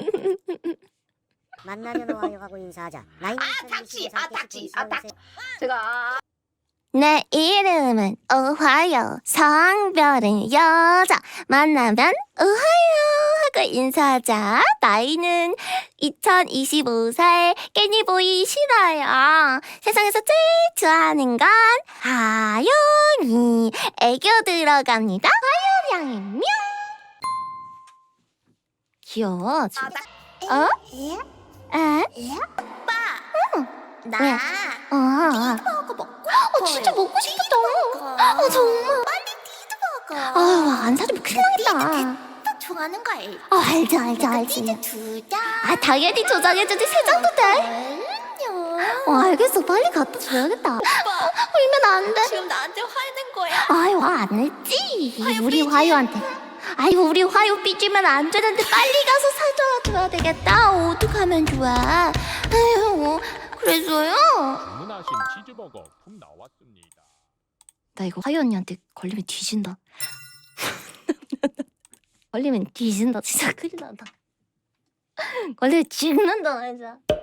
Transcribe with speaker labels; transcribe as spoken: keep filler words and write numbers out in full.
Speaker 1: 만나면 오하요 하고 인사하자. 나이는
Speaker 2: 아 닥치! 아 닥치! 아 닥치!
Speaker 1: 닥치.
Speaker 2: 제가
Speaker 3: 내 이름은 오하요. 성별은 여자. 만나면 오하요 하고 인사하자. 나이는 이천이십오 살 깨니보이 신화요. 세상에서 제일 좋아하는 건 하영이. 애교 들어갑니다. 하영이 뿅. 귀여워.
Speaker 2: 아 딱.
Speaker 3: 어? 에?
Speaker 2: 나
Speaker 3: 왜? 어, 어.
Speaker 2: 버거 먹고
Speaker 3: 어, 진짜 먹고 싶었다. 어, 정말.
Speaker 2: 빨리 디드버거.
Speaker 3: 아유, 안 사주면 큰일 나겠다.
Speaker 2: 딱 좋아하는 거 알지?
Speaker 3: 어, 알죠, 알죠, 알지.
Speaker 2: 디드 두 장.
Speaker 3: 아, 당연히 조정해주지. 세 장도 돼.
Speaker 2: 그럼요.
Speaker 3: 어, 알겠어. 빨리 갖다 줘야겠다. 어, 울면 안 돼.
Speaker 2: 지금 나한테 화내는 거야.
Speaker 3: 아유, 안 했지.
Speaker 2: 화요
Speaker 3: 우리
Speaker 2: 삐지.
Speaker 3: 화요한테. 아이고, 우리 화요 삐지면 안 되는데 빨리 가서 사줘야 되겠다. 어떡하면 좋아. 아유, 그래서요.
Speaker 4: 주문하신 치즈버거 품 나왔습니다.
Speaker 3: 나 이거 화요 언니한테 걸리면 뒤진다. 걸리면 뒤진다. 진짜 큰일 난다. 걸리면 죽는다, 진짜.